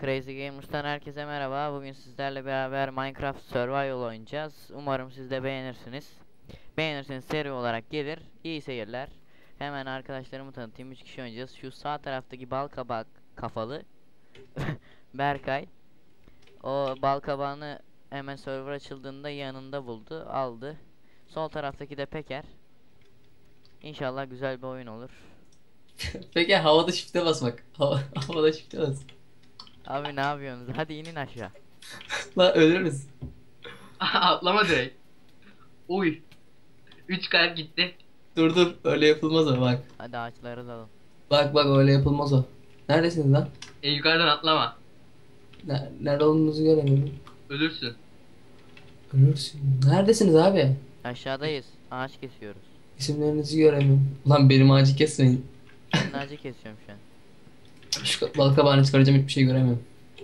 Crazy Gamers'tan herkese merhaba. Bugün sizlerle beraber Minecraft Survival oynayacağız. Umarım siz de beğenirsiniz. Beğenirseniz seri olarak gelir. İyi seyirler. Hemen arkadaşlarımı tanıtayım. 3 kişi oynayacağız. Şu sağ taraftaki bal kabak kafalı Berkay. O bal kabağını hemen server açıldığında yanında buldu, aldı. Sol taraftaki de Peker. İnşallah güzel bir oyun olur. Peki havada shift'e basmak. Havada shift'e bas. Abi ne yapıyorsunuz? Hadi inin aşağı. Lan ölürüz. Atlama direkt. Uy. 3 kalp gitti. Dur dur öyle yapılmaz o bak. Hadi ağaçları dalalım. Bak öyle yapılmaz o. Neredesiniz lan? Yukarıdan atlama. Nerede olduğunuzu göremiyorum. Ölürsün. Ölürsün. Neredesiniz abi? Aşağıdayız. Ağaç kesiyoruz. İsimlerinizi göremiyorum. Lan benim ağacı kesmeyin. Senin ağacı kesiyorum şu an. Şu bal kabağını çıkaracağım, hiçbir şey göremiyorum.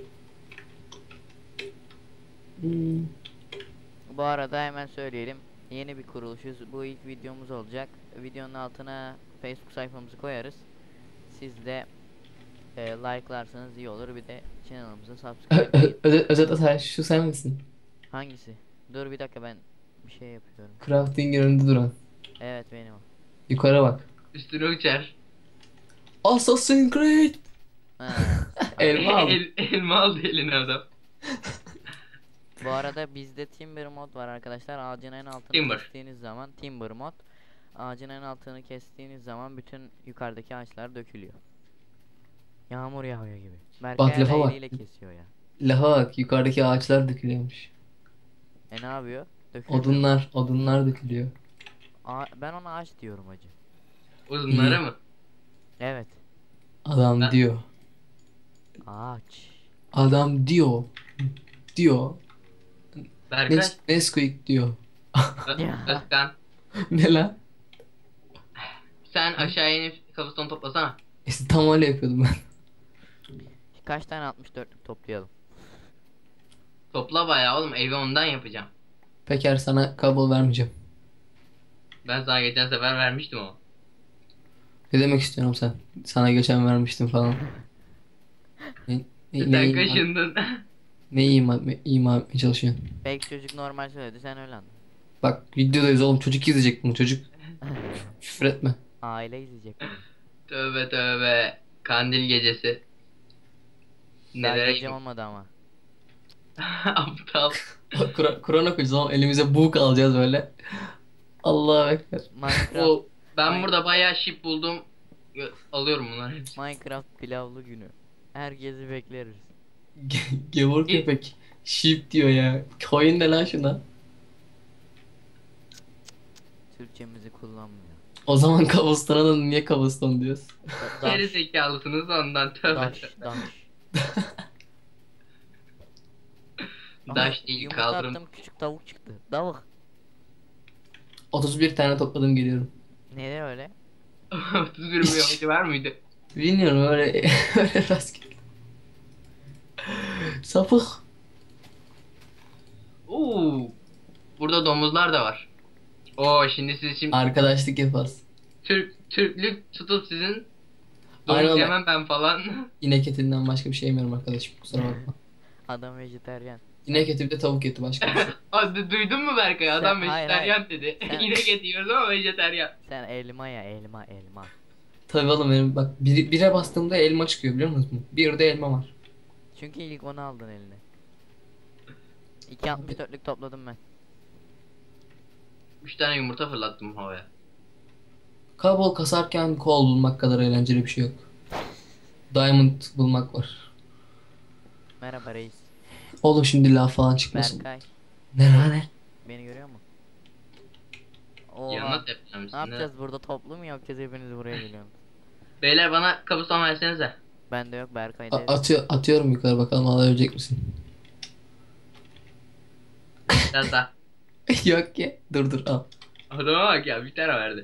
Hmm. Bu arada hemen söyleyelim. Yeni bir kuruluşuz. Bu ilk videomuz olacak. Videonun altına Facebook sayfamızı koyarız. Siz de like'larsanız iyi olur. Bir de kanalımıza subscribe edin. Özet şu sen misin? Hangisi? Dur bir dakika, ben bir şey yapıyorum. Crafting önünde duran. Evet, benim o. Yukarı bak. Üstüne uçar. Assassin's Creed. Ha. Elma al. Elma aldı eline adam. Bu arada bizde Timber mod var arkadaşlar. Ağacın en altını Timber. kestiğiniz zaman Timber mod. Ağacın en altını kestiğiniz zaman bütün yukarıdaki ağaçlar dökülüyor. Yağmur yağıyor gibi. Bak, Berkay lafa bak. eliyle kesiyor ya. Laha bak, yukarıdaki ağaçlar dökülüyormuş. Ne yapıyor? Dökülüyor. Odunlar dökülüyor. Ben ona ağaç diyorum hacı. Uzunlara İyi. mı? Evet. Adam Ben- diyor. Ağaç. Adam diyor. Diyor. Berkay. Nesquik diyor. Ya. Özkan. Ne lan? Sen aşağıya inip kabuston toplasana. İşte tam öyle yapıyordum ben. Kaç tane 64'lük toplayalım? Topla bayağı oğlum. Evi ondan yapacağım. Peker, sana kabul vermeyeceğim. Ben sana geçen sefer vermiştim o. Ne demek istiyorum sen? Sana geçen vermiştim falan. Ne, Sen kaşındın. ne ima etmeye çalışıyorsun? Belki çocuk normal söyledi, sen öyle anladın. Bak, videodayız oğlum, çocuk izleyecek bunu, çocuk. Küfür etme. Aile izleyecek bunu. Tövbe tövbe. Kandil gecesi. Daha Nelere gece olmadı ama. Aptal. Kur'an okuyacağız oğlum, elimize buğuk alacağız böyle. Allahu Ekber. Minecraft, Ben burada bayağı ship buldum. Alıyorum bunları hepsini. Minecraft pilavlı günü. Herkesi bekleriz. Gevur köpek. Sheep diyor ya. Koyun ne lan şuna? Türkçemizi kullanmıyor. O zaman Cobblestone'a da niye Cobblestone diyoruz? Geri Daş, zekalısınız ondan tövbe. daş, daş. Daş değil, Yumurta kaldırım. attım, küçük tavuk çıktı. Tavuk. 31 tane topladım, geliyorum. Neden öyle? 31 milyon var mıydı? Bilmiyorum, öyle öyle rastgele. Sapık. Oo. Burada domuzlar da var. Oo, şimdi Arkadaşlık yaparız. Türklük tutup sizin Aynen domuz öyle. yemem ben falan. İnek etinden başka bir şey yemiyorum arkadaşım, kusura bakma. Adam vejeteryan. İnek eti bir de tavuk eti, başka bir şey. Hadi duydun mu Berkay? Adam Sen- hayır, vejeteryan dedi. Sen- İnek eti yiyoruz ama vejeteryan. Sen elma ya, elma elma. Tabii oğlum, benim bak bire bastığımda elma çıkıyor, biliyor musunuz? Bir de elma var. Çünkü ilk onu aldın eline. 2.64'lük topladım ben. 3 tane yumurta fırlattım havaya. Kabul kasarken kol bulmak kadar eğlenceli bir şey yok. Diamond bulmak var. Merhaba reis. Oğlum şimdi laf falan çıkmasın. Berkay. Ne lan ne? Beni görüyor mu? Yanına Oha. tepkilemişsin. Ne yapacağız burada, toplu mu yapacağız, hepiniz buraya geliyorsunuz? Beyler bana kabuston versenize. Bende yok, Berkay'da yok. Atıyorum yukarı, bakalım alabilecek misin? Biraz daha. Yok ki. Dur al. Adama bak ya, bir tane verdi.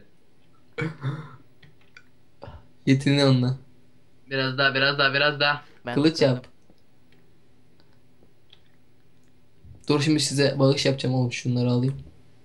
Yetini onunla. Biraz daha. Ben Kılıç tutturdum. yap. Dur, şimdi size bağış yapacağım oğlum, şunları alayım.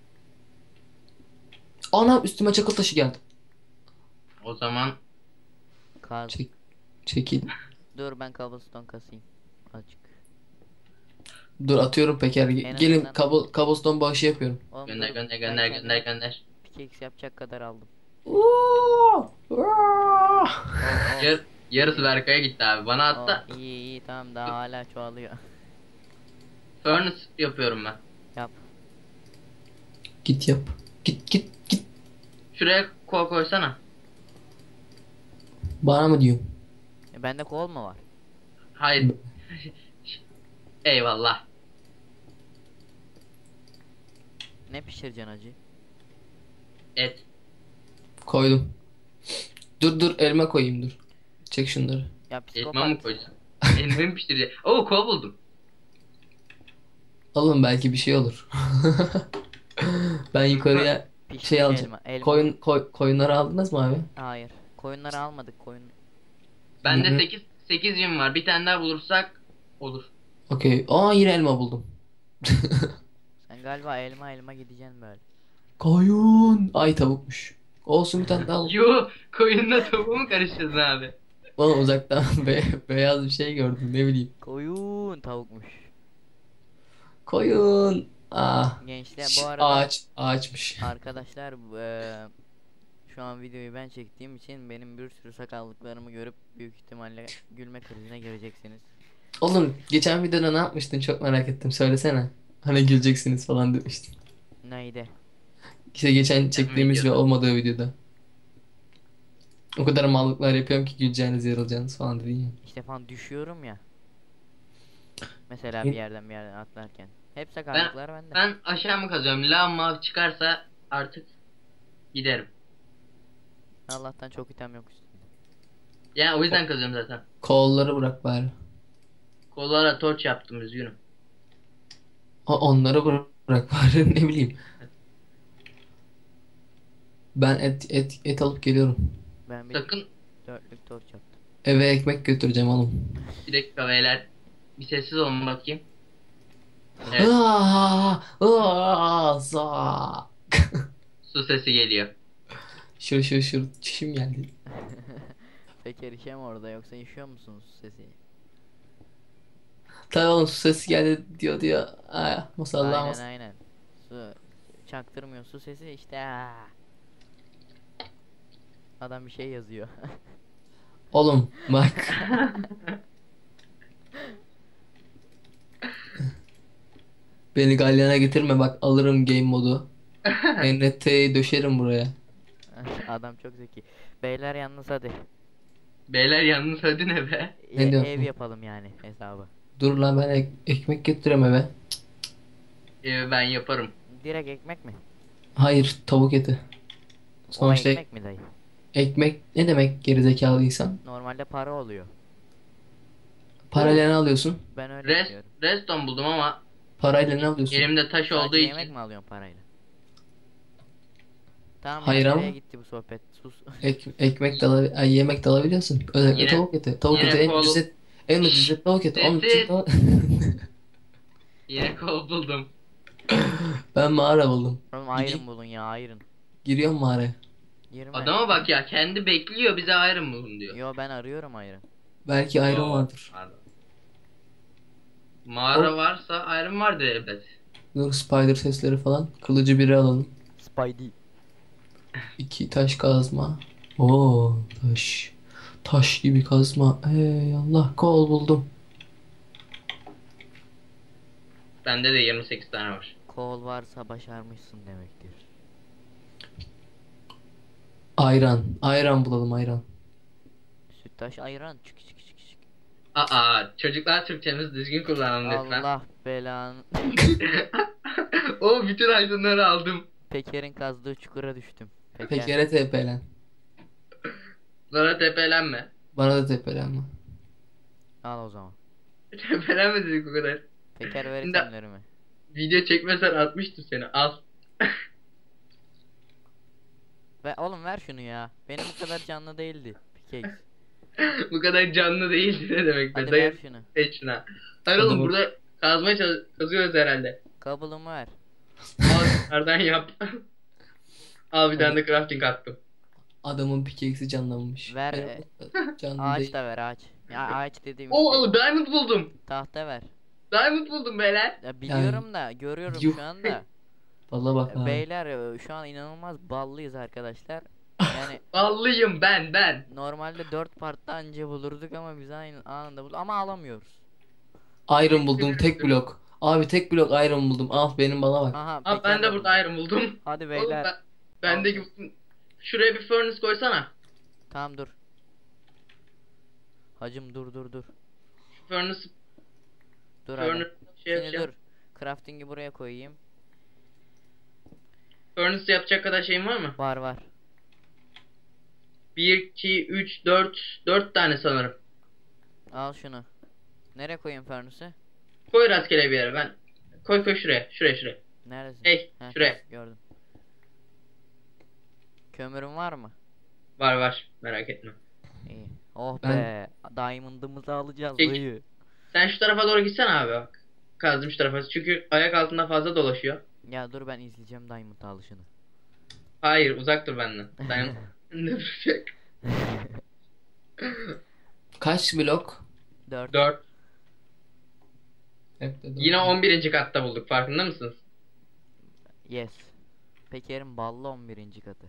Ana, üstüme çakıl taşı geldi. O zaman Kaz. Çek, çekil. Dur ben cobblestone kasayım. Azıcık. Dur atıyorum Peker. En Gelin azından- cobblestone bağışı yapıyorum. Oğlum Gönder dur, gönder ben gönder kendime gönder gönder. pickaxe yapacak kadar aldım. Oo! Oo! Oh, Yarısı Berkay'a gitti abi. Bana hatta iyi iyi tamam, daha hala çoğalıyor. furnace yapıyorum ben. Yap. Git yap. Git. Şuraya kol koysana. Bana mı diyorsun? Bende kol mu var? Hayır. Eyvallah. Ne pişireceksin acı? Et. Koydum. Dur elma koyayım dur. Çek şunları. Ya Elma mı psikopat. koysun? Elma mı pişirecek? Oo kol buldum. Alın belki bir şey olur. Ben yukarıya Pişmiş şey alacağım. elma. Koyunları aldınız mı abi? Hayır. Koyunları almadık, koyun. Bende Hı hı. 8 yün var. Bir tane daha bulursak olur. Okey. Aa yine elma buldum. Sen galiba elma gideceksin böyle. Koyun. Ay tavukmuş. Olsun bir tane daha al. Yo, koyunla tavuğu mu karıştırdın abi? Oğlum uzaktan beyaz bir şey gördüm ne bileyim. Koyun tavukmuş. Koyun. Ah. Gençler bu arada Ağaçmış. arkadaşlar şu an videoyu ben çektiğim için benim bir sürü sakallıklarımı görüp büyük ihtimalle gülme krizine gireceksiniz. Oğlum geçen videoda ne yapmıştın çok merak ettim söylesene. Hani güleceksiniz falan demiştin. Neydi? İşte geçen çektiğimiz ve videoda. olmadığı videoda. O kadar mallıklar yapıyorum ki güleceğiniz yarılacağınız falan dedin ya. İşte falan düşüyorum ya. Mesela bir yerden atlarken. Hep Ben, sakallıklar bende. ben aşağı mı kazıyorum? Lama çıkarsa artık giderim. Allah'tan çok item yok üstünde. Yani o yüzden kazıyorum zaten. Kolları bırak bari. Kollara torç yaptım üzgünüm. Onları bırak bari ne bileyim. Ben et alıp geliyorum. Ben bir Sakın dörtlük torç yaptım. Eve ekmek götüreceğim oğlum. bir dakika beyler. Bir sessiz olun bakayım. Evet, Za. su sesi geliyor. Şur çişim geldi. Peki erişem orada, yoksa işiyor musunuz sesi? Tabii oğlum su sesi geldi diyor ya. Masallah Aynen aynen. Su çaktırmıyor, su sesi işte. Adam bir şey yazıyor. Oğlum bak. Beni galyana getirme bak alırım game modu. NRT'yi döşerim buraya. Adam çok zeki. Beyler yalnız hadi. Beyler yalnız hadi ne be? Ne diyorsun? Ev yapalım yani hesabı. Dur lan ben ekmek getireyim eve. Ben yaparım. Direkt ekmek mi? Hayır tavuk eti. O Sonuçta ekmek mi dayı? ekmek ne demek gerizekalıysan? Normalde para oluyor. Parayla ne alıyorsun? Ben öyle Rest, biliyorum. redstone buldum ama Parayla ne alıyorsun? elimde taş olduğu Sadece yemek için mi alıyorsun parayla? Tamam Hayır ya, ama- nereye gitti bu sohbet? Sus. Ekmek de yemek de alabiliyorsun. Özellikle Yine- tavuk eti. Tavuk yine eti en kol- ucuz et. En ucuz et tavuk eti. Onun için Sessiz. tavuk- yine kol buldum. Ben mağara buldum. Oğlum Gideyim. iron bulun ya, iron. Giriyorum mağaraya. Girme. Adama bak ya, kendi bekliyor, bize ayrı mı bulun diyor. Yo, ben arıyorum iron. Belki ayrım Oo, vardır. pardon. Mağara varsa ayrım vardır elbet. Dur spider sesleri falan. Kılıcı biri alalım. Spidey. 2 taş kazma. Oo taş. Taş gibi kazma. Ey Allah kol buldum. Bende de 28 tane var. Kol varsa başarmışsın demektir. Ayran. Ayran bulalım ayran. Süttaş ayran. Çık çık çık çık. Aa, çocuklar Türkçemizi düzgün kullanalım lütfen. Allah belanı. O bütün aydınları aldım. Peker'in kazdığı çukura düştüm. Peker'e tepelen. Bana tepelenme. Bana da tepelenme. Al o zaman. Tepelenme dedik o kadar. Peker ver Şimdi- itemlerimi. Video çekmesen atmıştım seni, al. Ve oğlum ver şunu ya. Benim bu kadar canlı değildi. Pickaxe. Bu kadar canlı değildi ne demek be? Hadi ver Dayı şunu. seç şuna. Hayır Hadi oğlum, bak. burada kazmaya kazıyoruz herhalde. Kablomu ver. Al nereden yap. Al bir tane de crafting attım. Adamın pickaxe'i canlanmış. Ver, Benim canlı Ağaç değil. da ver ağaç. Ya ağaç dediğim işte. Oo, diamond buldum. Tahta ver. Diamond buldum beyler. Ya biliyorum da görüyorum yuh. şu anda. Valla bak abi. Beyler şu an inanılmaz ballıyız arkadaşlar. Yani Ballıyım ben. normalde 4 partta anca bulurduk ama biz aynı anında bulduk ama alamıyoruz. Iron buldum tek blok. Abi tek blok iron buldum. Al benim bana bak. Aha Abi ben de burada iron buldum. Hadi Oğlum beyler. bendeki şuraya bir furnace koysana. Tamam dur. Hacım dur. Furnace Dur hadi. şey Şimdi yapacağım. dur. Crafting'i buraya koyayım. Furnace yapacak kadar şeyin var mı? Var. 1, 2, 3, 4 tane sanırım. Al şunu. Nereye koyayım furnace'ı? Koy rastgele bir yere ben. Koy şuraya. Neredesin? Hey, Heh, şuraya. tamam, gördüm. Kömürün var mı? Var merak etme. İyi. Oh Ben- be. Diamond'ımızı alacağız Peki. dayı. Sen şu tarafa doğru gitsene abi bak. Kazdım şu tarafa. Çünkü ayak altında fazla dolaşıyor. Ya dur ben izleyeceğim Diamond alışını. Hayır uzak dur benden. Ben ne duracak? Kaç blok? 4. 4. Hep de Yine dört. 11. katta bulduk. Farkında mısınız? Yes. Peker'in ballı 11. katı.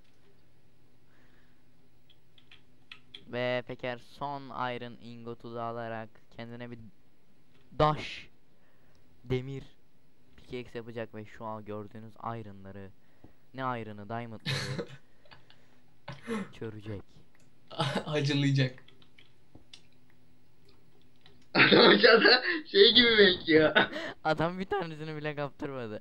Ve Peker son iron ingotu da alarak kendine bir daş demir pickaxe yapacak ve şu an gördüğünüz iron'ları, ne iron'ı, diamond'ları çörecek. Acılayacak. Adam aşağıda şey gibi bekliyor. Adam bir tanesini bile kaptırmadı.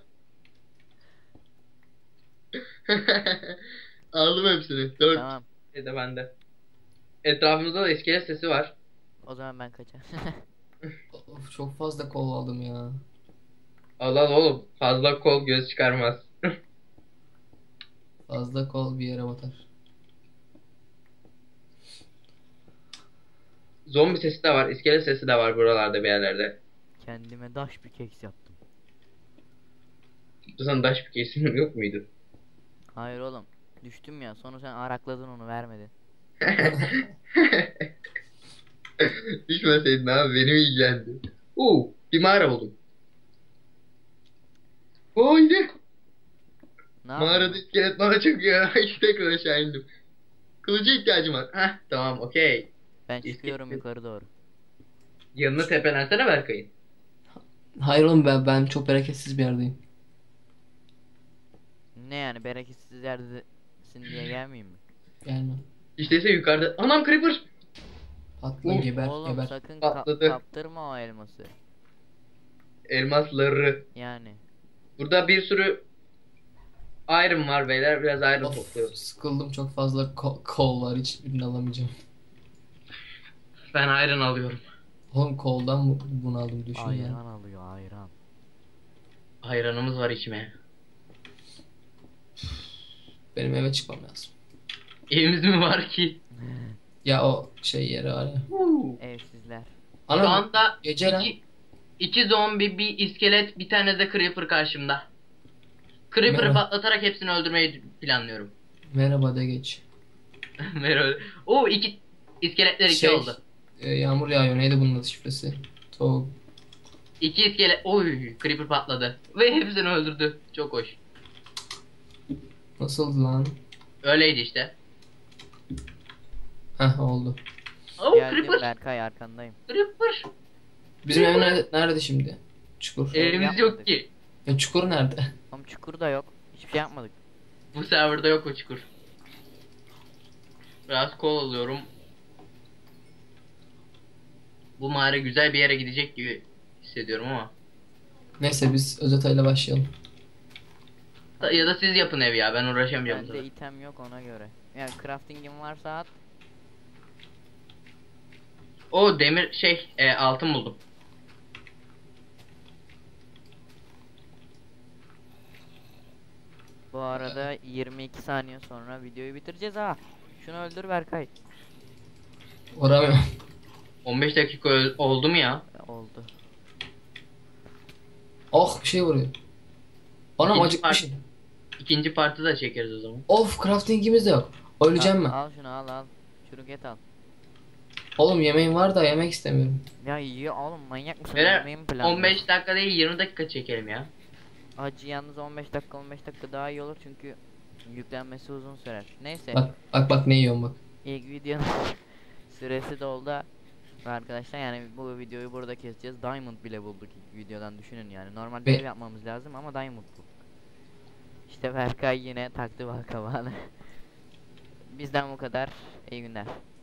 Aldım hepsini. 4 Tamam. de bende. Etrafımızda da iskelet sesi var. O zaman ben kaçar. Of, çok fazla kol aldım ya. Allah oğlum. Fazla kol göz çıkarmaz. Fazla kol bir yere batar. Zombi sesi de var. İskelet sesi de var buralarda bir yerlerde. Kendime daş pickaxe yaptım. Sana daş bir kesim yok muydu? Hayır oğlum. Düştüm ya. Sonra sen arakladın onu vermedin. Düşmeseydin abi benim ilgilendi. Bir mağara buldum. Yine. Ne Mağarada yapayım? iskelet bana çöküyor. İşte tekrar aşağı indim. Kılıca ihtiyacım var. Heh tamam okey. Ben çıkıyorum yukarı doğru. Yanına tepelensene Berkay'ın. Hayır oğlum ben çok bereketsiz bir yerdeyim. Ne yani bereketsiz yerdesin diye gelmeyeyim mi? Gelme. İşte yukarıda. Anam creeper. Patla Of, geber Oğlum geber. sakın Patladı. kaptırma o elması. Elmasları. Yani. Burada bir sürü iron var beyler. Biraz iron Of, topluyoruz. sıkıldım çok fazla kol var hiçbirini alamayacağım. Ben iron alıyorum. Oğlum koldan bunu aldım düşün Ayran ya. alıyor ayran. Ayranımız var içmeye. Benim eve çıkmam lazım. Evimiz mi var ki? Ya o şey yeri var ya. Evsizler. Şu Ana anda gece lan. iki zombi, bir iskelet, bir tane de creeper karşımda. Creeper'ı Merhaba. patlatarak hepsini öldürmeyi planlıyorum. Merhaba de geç. Merhaba. İki iskeletler iki Şey, oldu. Yağmur yağıyor neydi bunun adı şifresi? Tavuk. İki iskelet. Creeper patladı. Ve hepsini öldürdü. Çok hoş. Nasıldı lan? Öyleydi işte. Heh oldu. Geldim Creeper. Berkay arkandayım. Creeper. Bizim ev nerede şimdi? Çukur. Evimiz yapmadık. yok ki. Ya çukur nerede? Ama çukur da yok. Hiçbir şey yapmadık. Bu serverda yok o çukur. Biraz kol alıyorum. Bu mağara güzel bir yere gidecek gibi hissediyorum ama. Neyse biz özetayla başlayalım. Ya da siz yapın ev ya, ben uğraşamayacağım. bu Bende sefer. item yok ona göre. Yani crafting'im varsa at. Demir altın buldum. Bu arada 22 saniye sonra videoyu bitireceğiz ha. Şunu öldür Berkay. Uğramıyorum. 15 dakika oldu mu ya? Oldu. Oh bir şey vuruyor. Anam İkinci acıkmışım. İkinci partı da çekeriz o zaman. Of craftingimiz de yok. Öleceğim al, mi? al şunu al. Çürük et al. Oğlum yemeğim var da yemek istemiyorum. Ya yiyor oğlum, manyak mısın? Böyle Yemeğimi planlıyorsun. 15 dakika değil 20 dakika çekelim ya. Acı yalnız 15 dakika daha iyi olur çünkü yüklenmesi uzun sürer. Neyse, Bak ne yiyorum bak. ilk videonun süresi doldu arkadaşlar, yani bu videoyu burada keseceğiz. Diamond bile bulduk ilk videodan, düşünün yani. Normalde Ve- ev yapmamız lazım ama Diamond bulduk. İşte Berkay yine taktı balkabağını. Bizden bu kadar. İyi günler.